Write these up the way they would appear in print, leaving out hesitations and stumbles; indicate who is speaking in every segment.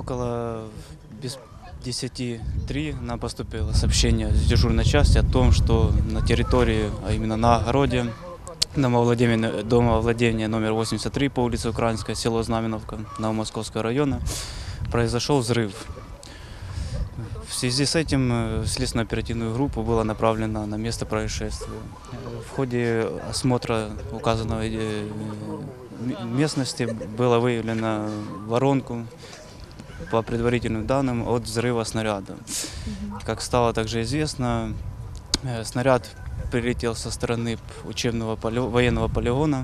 Speaker 1: Около без 10:03 нам поступило сообщение с дежурной части о том, что на территории, а именно на огороде, домовладения номер 83 по улице Украинская, село Знаменовка, Новомосковского района, произошел взрыв. В связи с этим в следственно-оперативную группу было направлено на место происшествия. В ходе осмотра указанной местности было выявлено воронку, по предварительным данным, от взрыва снаряда. Как стало также известно, снаряд прилетел со стороны учебного военного полигона.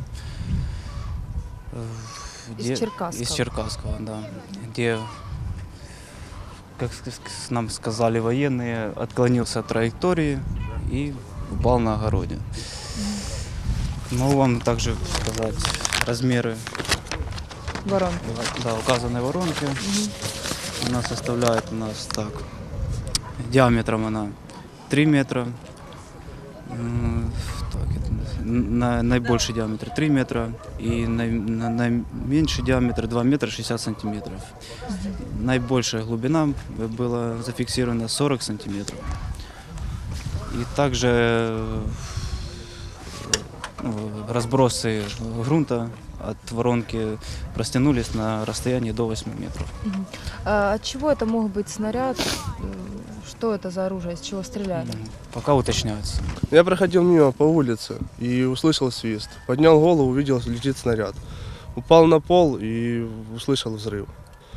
Speaker 2: Из Черкасского.
Speaker 1: Из Черкасского, да. Где, как нам сказали военные, отклонился от траектории и упал на огороде. Могу вам также сказать размеры
Speaker 2: Воронки.
Speaker 1: да, указанной воронки. Она составляет у нас так. Диаметром она 3 метра. Наибольший диаметр 3 метра и наименьший диаметр 2 метра 60 сантиметров. Наибольшая глубина была зафиксирована 40 сантиметров. И также разбросы грунта от воронки растянулись на расстоянии до 8 метров.
Speaker 2: От чего это мог быть снаряд? Что это за оружие? Из чего стреляли?
Speaker 1: Пока уточняется.
Speaker 3: Я проходил мимо по улице и услышал свист. Поднял голову, увидел, летит снаряд. Упал на пол и услышал взрыв.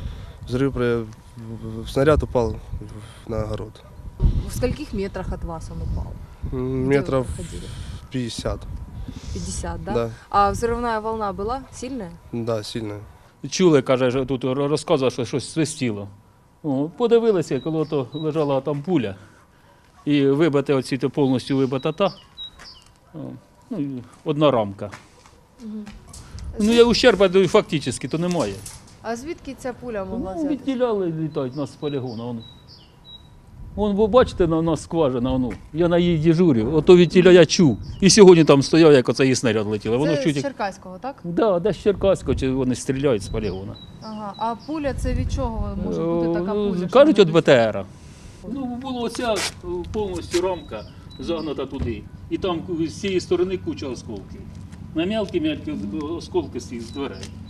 Speaker 3: Снаряд упал на огород.
Speaker 2: В скольких метрах от вас он упал?
Speaker 3: Метров 50.
Speaker 2: 50, да?
Speaker 3: Да.
Speaker 2: А взрывная волна была сильная?
Speaker 3: Да, сильно.
Speaker 4: Чули, каже, що тут розказував, що щось свистіло. Подивилися, коли то лежала там пуля. І вибите оці повністю вибита та. Ну, і одна рамка. Ну, я ущерба фактично то немає.
Speaker 2: А звідки ця пуля могла
Speaker 4: Ну,
Speaker 2: взяти?
Speaker 4: відділяли, літають нас з полігону. Вон, ви бачите, на нас скважина, я на її дежурю, ото відтіля я чув. І сьогодні там стояв, як оце її снаряд летіло. Воно
Speaker 2: Це
Speaker 4: чуть
Speaker 2: з Черкаського, так?
Speaker 4: Да, десь з Черкаського, чи вони стріляють з полігона.
Speaker 2: Ага. А пуля це від чого може бути така пуля?
Speaker 4: Кажуть, від БТРа. Ну, була оця повністю рамка загнута туди. І там з цієї сторони куча осколків. На мелкі осколки з дверей.